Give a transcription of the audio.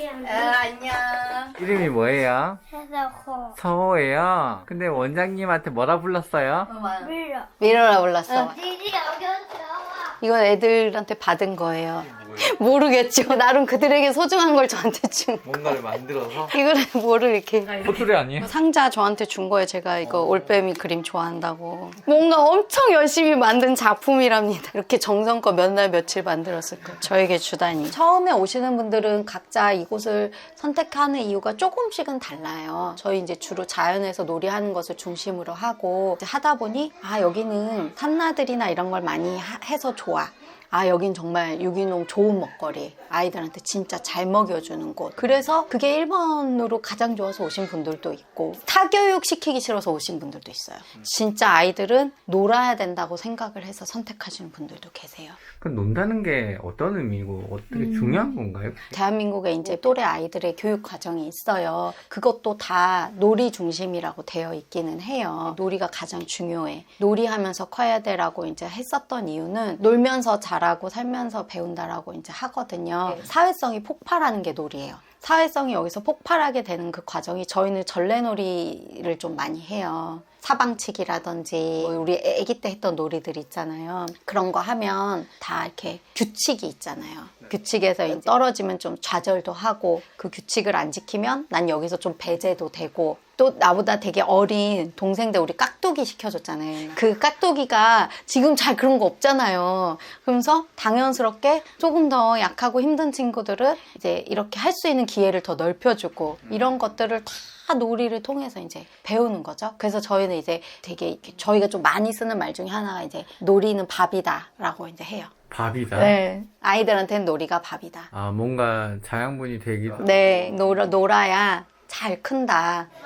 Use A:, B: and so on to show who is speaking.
A: 안녕.
B: 이름이 뭐예요?
C: 해서
B: 서호예요. 근데 원장님한테 뭐라 불렀어요?
C: 밀어.
A: 미로라 불렀어.
C: 디디 여기 들어와.
A: 이건 애들한테 받은 거예요. 모르겠죠. 나름 그들에게 소중한 걸 저한테 준.
B: 뭔가를 만들어서?
A: 이거를 뭐를 이렇게.
B: 포트레 아니에요?
A: 상자 저한테 준 거예요. 제가 이거 올빼미 그림 좋아한다고. 뭔가 엄청 열심히 만든 작품이랍니다. 이렇게 정성껏 몇 날 며칠 만들었을 거예요. 저에게 주다니. 처음에 오시는 분들은 각자 이곳을 선택하는 이유가 조금씩은 달라요. 저희 이제 주로 자연에서 놀이하는 것을 중심으로 하고 이제 하다 보니 여기는 산나들이나 이런 걸 많이 해서 좋아. 여긴 정말 유기농 좋은 먹거리. 아이들한테 진짜 잘 먹여주는 곳. 그래서 그게 1번으로 가장 좋아서 오신 분들도 있고 타교육 시키기 싫어서 오신 분들도 있어요. 진짜 아이들은 놀아야 된다고 생각을 해서 선택하시는 분들도 계세요.
B: 그럼 논다는 게 어떤 의미고 어떻게 중요한 건가요?
A: 대한민국에 이제 또래 아이들의 교육 과정이 있어요. 그것도 다 놀이 중심이라고 되어 있기는 해요. 놀이가 가장 중요해. 놀이하면서 커야 돼라고 이제 했었던 이유는 놀면서 자라고 살면서 배운다라고 이제 하거든요. 사회성이 폭발하는 게 놀이에요. 사회성이 여기서 폭발하게 되는 그 과정이 저희는 전래놀이를 좀 많이 해요. 사방치기라든지 우리 아기 때 했던 놀이들 있잖아요. 그런 거 하면 다 이렇게 규칙이 있잖아요. 규칙에서 이제 떨어지면 좀 좌절도 하고 그 규칙을 안 지키면 난 여기서 좀 배제도 되고 또 나보다 되게 어린 동생들 우리 깍두기 시켜줬잖아요. 그 깍두기가 지금 잘 그런 거 없잖아요. 그러면서 당연스럽게 조금 더 약하고 힘든 친구들은 이제 이렇게 할 수 있는 기회를 더 넓혀주고 이런 것들을 다 놀이를 통해서 이제 배우는 거죠. 그래서 저희는 이제 되게 이렇게 저희가 좀 많이 쓰는 말 중에 하나가 이제 놀이는 밥이다라고 이제 해요.
B: 밥이다?
A: 네. 아이들한테는 놀이가 밥이다.
B: 뭔가 자양분이 되기도
A: 네, 놀아야 잘 큰다.